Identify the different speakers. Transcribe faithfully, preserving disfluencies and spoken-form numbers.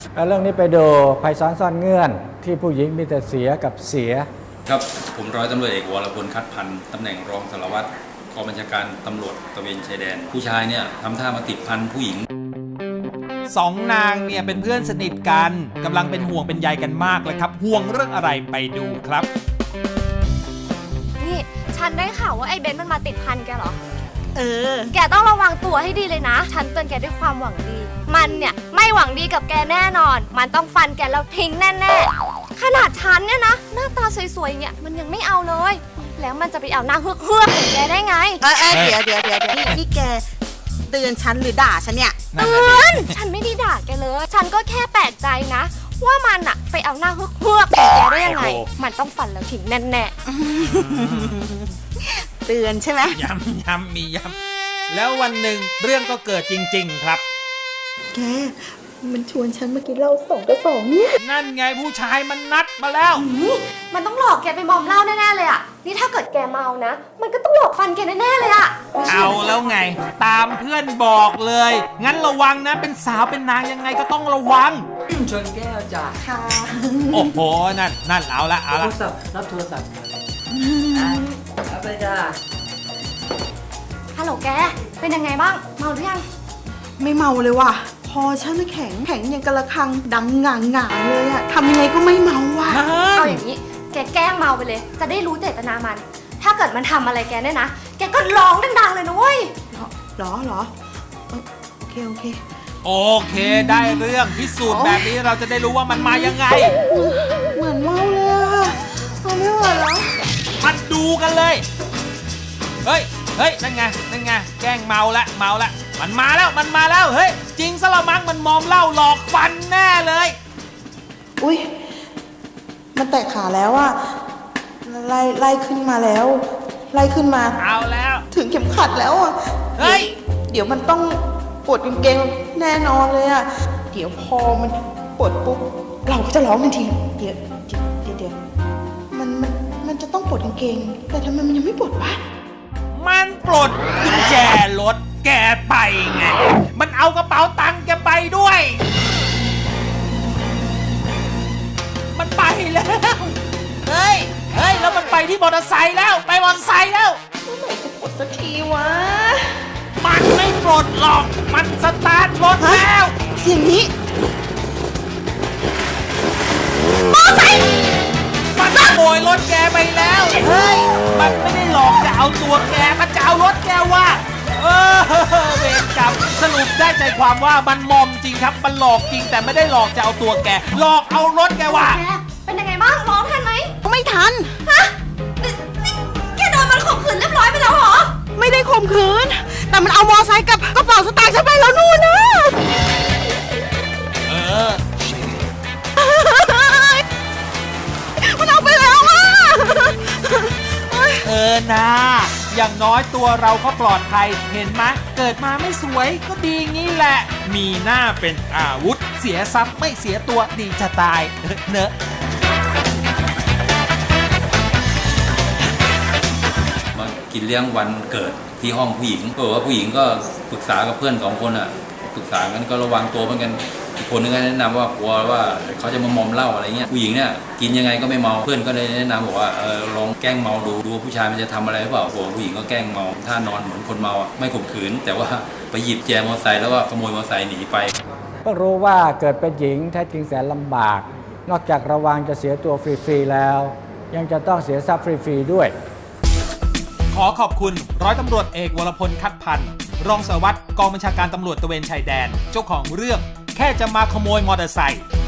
Speaker 1: แล้วเรื่องนี้ไปดูภัยซ้อนซ่อนเงื่อนที่ผู้หญิงมีแต่เสียกับเสีย
Speaker 2: ครับผมร้อยตำรวจเอกวรพลคัดพันธ์ตำแหน่งรองสารวัตรกองบัญชาการตำรวจตระเวนชายแดนผู้ชายเนี่ยทำท่ามาติดพันผู้หญิง
Speaker 3: สองนางเนี่ยเป็นเพื่อนสนิทกันกำลังเป็นห่วงเป็นใยกันมากเลยครับห่วงเรื่องอะไรไปดูครับ
Speaker 4: นี่ฉันได้ข่าวว่าไอ้เบนซ์มันมาติดพันแกเหรอ
Speaker 5: เออ
Speaker 4: แกต้องระวังตัวให้ดีเลยนะฉันเตือนแกด้วยความหวังดีมันเนี่ยไม่หวังดีกับแกแน่นอนมันต้องฟันแกแล้วทิ้งแน่ๆขนาดฉันเนี่ยนะหน้าตาสวยๆเนี่ยมันยังไม่เอาเลยแล้วมันจะไปเอาหน้าเฮือกๆของแกได้ไง
Speaker 5: เออเออเดี๋ยวเดี๋ยวเดี๋ยวนี่แกเตือนฉันหรือด่าฉันเนี่ย
Speaker 4: เตือนฉันไม่ได้ด่าแกเลยฉันก็แค่แปลกใจนะว่ามันอะไปเอาหน้าเฮือกๆของแกได้ยังไงมันต้องฟันแล้วทิ้งแน่
Speaker 5: ๆเตือนใช่ไหม
Speaker 3: ย้ำย้ำมีย้ำแล้ววันหนึ่งเรื่องก็เกิดจริงๆครับ
Speaker 5: แกมันชวนฉันมากินเหล้าสองกระสองเนี่ย
Speaker 3: นั่นไงผู้ชายมันนัดมาแล้ว
Speaker 4: มันต้องหลอกแกไปมอมเหล้าแน่ๆเลยอ่ะนี่ถ้าเกิดแกเมานะมันก็ต้องหลอกฟันแกแน่ๆเลยอ่ะ
Speaker 3: เอาแล้วไงตามเพื่อนบอกเลยงั้นระวังนะเป็นสาวเป็นนางยังไงก็ต้องระวัง
Speaker 1: ชนแก้วจ้ะ
Speaker 5: ค่ะ
Speaker 3: โอ้โหนั่นนั่นเอาละเอาละ
Speaker 1: รับโทรศัพท์มาเลยเอาไปจ้ะ
Speaker 4: ฮัลโหลแกเป็นยังไงบ้างเมาหรือยัง
Speaker 5: ไม่เมาเลยว่ะพอฉันแข็งแข็งอย่างกระคังดังหง่างหง่าเลยอะทำยังไงก็ไม่เมาว่ะ
Speaker 4: เอาอย่างนี้แกแกล้งเมาไปเลยจะได้รู้เจตนามันถ้าเกิดมันทำอะไรแกเนี่ยนะแกก็ร้องดังๆเลยนะเว้ย
Speaker 5: หรอหรอโอเคโอเค
Speaker 3: โอเคได้เรื่องพิสูจน์แบบนี้เราจะได้รู้ว่ามันมายังไง
Speaker 5: เหมือนเมาเลยอะเอาไม่ไหวแล้ว
Speaker 3: มาดูกันเลยเฮ้ยเฮ้ยนั่นไงนั่นไงแกล้งเมาละเมาละมันมาแล้วมันมาแล้วเฮ้ยจริงซะละมั้งมันมอมเหล้าหลอกฟันแน่เลย
Speaker 5: อุ้ยมันแตกขาแล้วอะไล่ไล่ขึ้นมาแล้วไล่ขึ้นมา
Speaker 3: เอาแล้ว
Speaker 5: ถึงเข็มขัดแล้วอะ
Speaker 3: เฮ้ย
Speaker 5: เดี๋ยวมันต้องปวดกางเกงแน่นอนเลยอะเดี๋ยวพอมันปวดปุ๊บเราก็จะร้องทันทีเดี๋ยวเดี๋ยวเดี๋ยวเดี๋ยวมันมันมันจะต้องปวดกางเกงแต่ทำไมมันยังไม่ปวดวะ
Speaker 3: มันปลดกุญแจรถแกไปไงมันเอากระเป๋าตังค์แกไปด้วยมันไปแล้วเฮ้ยเฮ้ยแล้วมันไปที่มอเตอร์ไซค์แล้วไปมอเตอร์ไซค์แล้ว
Speaker 5: เมื่อไหร่จะปลดสักทีวะ
Speaker 3: มันไม่ปลดหรอกมันสตาร์ทรถแล้ว
Speaker 5: เสียงนี้
Speaker 3: มอเตอร์ไซค์มันขโมยรถแกไปแล้วเฮ้ยมันไม่ได้หลอกจะเอาตัวแกมันจะเอารถแกว่าเออเวรกรรมสรุปได้ใจความว่ามันมอมจริงครับมันหลอกจริงแต่ไม่ได้หลอกจะเอาตัวแกหลอกเอารถแกว่า
Speaker 4: เป็นยังไงบ้างร้องทันไหม
Speaker 5: ไม่ทัน
Speaker 4: ฮะนี่แกโดนมันข่มขืนเรียบร้อยไปแล้วเหรอ
Speaker 5: ไม่ได้ข่มขืนแต่มันเอามอไซค์กับกระเป๋าสตางค์ฉันไปแล้วนู่นนะ
Speaker 3: เออ
Speaker 5: มันเอาไปแล้วอ่ะ
Speaker 3: เออนะอย่างน้อยตัวเราก็ปลอดภัยเห็นไหมเกิดมาไม่สวยก็ดีงี้แหละมีหน้าเป็นอาวุธเสียทรัพย์ไม่เสียตัวดีจะตายเนอะ
Speaker 2: มากินเลี้ยงวันเกิดที่ห้องผู้หญิงบอกว่าผู้หญิงก็ปรึกษากับเพื่อนสองคนอ่ะปรึกษากันก็ระวังตัวเหมือนกันอีกคนนึงก็แนะนำว่ากลัวว่าเขาจะมามอมเหล้าอะไรเงี้ยผู้หญิงเนี่ยกินยังไงก็ไม่เมาเพื่อนก็เลยแนะนำบอกว่าเออลองแกล้งเมาดูดูผู้ชายมันจะทำอะไรหรือเปล่าโอ้ผู้หญิงก็แกล้งเมาท่านอนเหมือนคนเมาไม่ข่มขืนแต่ว่าไปหยิบแจมอเตอร์ไซค์แล้วก็ขโมยมอเตอร์ไซค์หนีไป
Speaker 1: ก็รู้ว่าเกิดเป็นหญิงแท้จริงแสนลำบากนอกจากระวังจะเสียตัวฟรีๆแล้วยังจะต้องเสียทรัพย์ฟรีๆด้วย
Speaker 3: ขอขอบคุณร้อยตำรวจเอกวรพลคัดพันธ์รองสารวัตรกองบัญชาการตำรวจตระเวนชายแดนเจ้าของเรื่องแค่จะมาขโมยมอเตอร์ไซค์